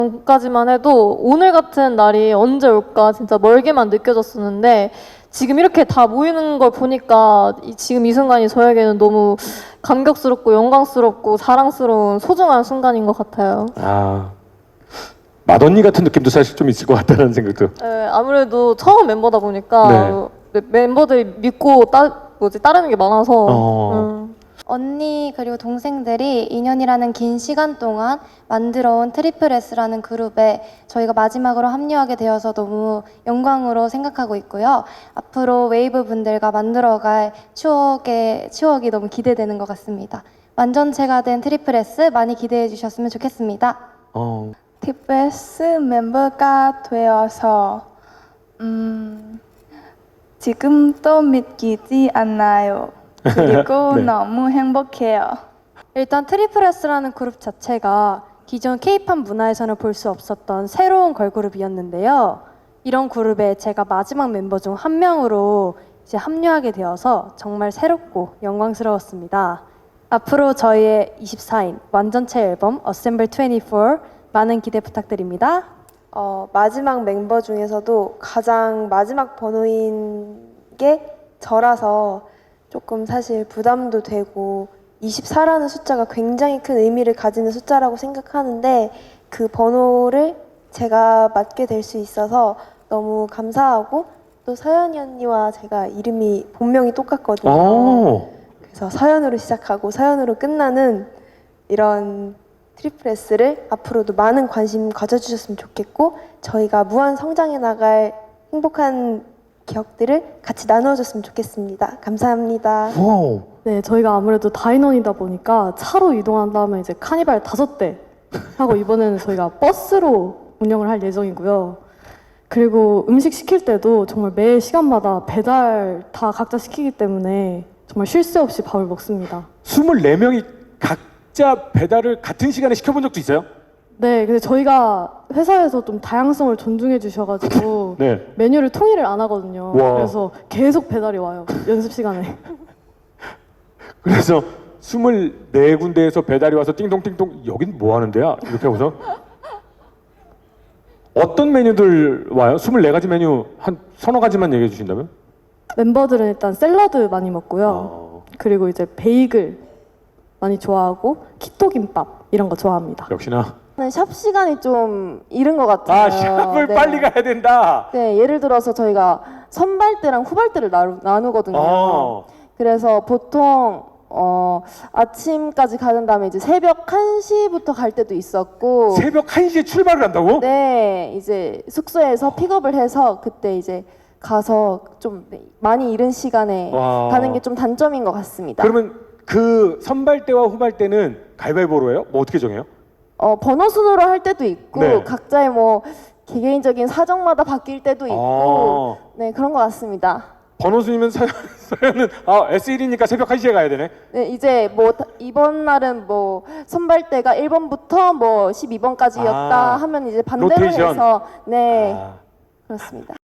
전까지만 해도 오늘 같은 날이 언제 올까 진짜 멀게만 느껴졌었는데 지금 이렇게 다 모이는 걸 보니까 지금 이 순간이 저에게는 너무 감격스럽고 영광스럽고 자랑스러운 소중한 순간인 것 같아요. 아, 맏언니 같은 느낌도 사실 좀 있을 것 같다는 생각도. 네, 아무래도 처음 멤버다 보니까 멤버들이 믿고 따르는 게 많아서 언니 그리고 동생들이 2년이라는 긴 시간 동안 만들어온 트리플 S라는 그룹에 저희가 마지막으로 합류하게 되어서 너무 영광으로 생각하고 있고요. 앞으로 웨이브 분들과 만들어갈 추억이 너무 기대되는 것 같습니다. 완전체가 된 트리플 S 많이 기대해 주셨으면 좋겠습니다. 트리플 S 멤버가 되어서 지금도 믿기지 않아요. 그리고 네. 너무 행복해요. 일단 트리플 S라는 그룹 자체가 기존 K-팝 문화에서는 볼 수 없었던 새로운 걸그룹이었는데요. 이런 그룹에 제가 마지막 멤버 중 한 명으로 이제 합류하게 되어서 정말 새롭고 영광스러웠습니다. 앞으로 저희의 24인 완전체 앨범 Assemble 24 많은 기대 부탁드립니다. 마지막 멤버 중에서도 가장 마지막 번호인 게 저라서 조금 사실 부담도 되고 24라는 숫자가 굉장히 큰 의미를 가지는 숫자라고 생각하는데 그 번호를 제가 맡게 될 수 있어서 너무 감사하고 또 서연이 언니와 제가 이름이 본명이 똑같거든요. 그래서 서연으로 시작하고 서연으로 끝나는 이런 트리플 S를 앞으로도 많은 관심 가져주셨으면 좋겠고 저희가 무한 성장해 나갈 행복한 기억들을 같이 나눠줬으면 좋겠습니다. 감사합니다. 와우. 네, 저희가 아무래도 다인원이다 보니까 차로 이동한 다음에 이제 카니발 5대 하고 이번에는 저희가 버스로 운영을 할 예정이고요. 그리고 음식 시킬 때도 정말 매 시간마다 배달 다 각자 시키기 때문에 정말 쉴 새 없이 밥을 먹습니다. 24명이 각자 배달을 같은 시간에 시켜본 적도 있어요? 네, 근데 저희가 회사에서 좀 다양성을 존중해 주셔가지고 네. 메뉴를 통일을 안 하거든요. 와. 그래서 계속 배달이 와요. 연습 시간에. 그래서 24군데에서 배달이 와서 띵동띵동 여긴 뭐 하는 데야? 이렇게 하고서 어떤 메뉴들 와요? 24가지 메뉴 한 서너 가지만 얘기해 주신다면? 멤버들은 일단 샐러드 많이 먹고요. 그리고 이제 베이글 많이 좋아하고 키토 김밥 이런 거 좋아합니다. 역시나 샵 시간이 좀 이른 것 같아요. 샵을 네. 빨리 가야 된다. 네, 예를 들어서 저희가 선발대랑 후발대를 나누거든요. 그래서 보통 아침까지 가는 다음에 이제 새벽 1시부터 갈 때도 있었고 새벽 1시에 출발을 한다고? 네, 이제 숙소에서 픽업을 해서 그때 이제 가서 좀 많이 이른 시간에 와. 가는 게 좀 단점인 것 같습니다. 그러면 그 선발대와 후발대는 가위바위보로 해요? 뭐 어떻게 정해요? 번호 순으로 할 때도 있고 네. 각자의 뭐 개개인적인 사정마다 바뀔 때도 있고 네 그런 것 같습니다. 번호 순이면 서연은 S1이니까 새벽 1시에 가야 되네. 네 이제 뭐 이번 날은 뭐 선발대가 1번부터 뭐 12번까지였다 하면 이제 반대로 로테이션. 해서 네 그렇습니다.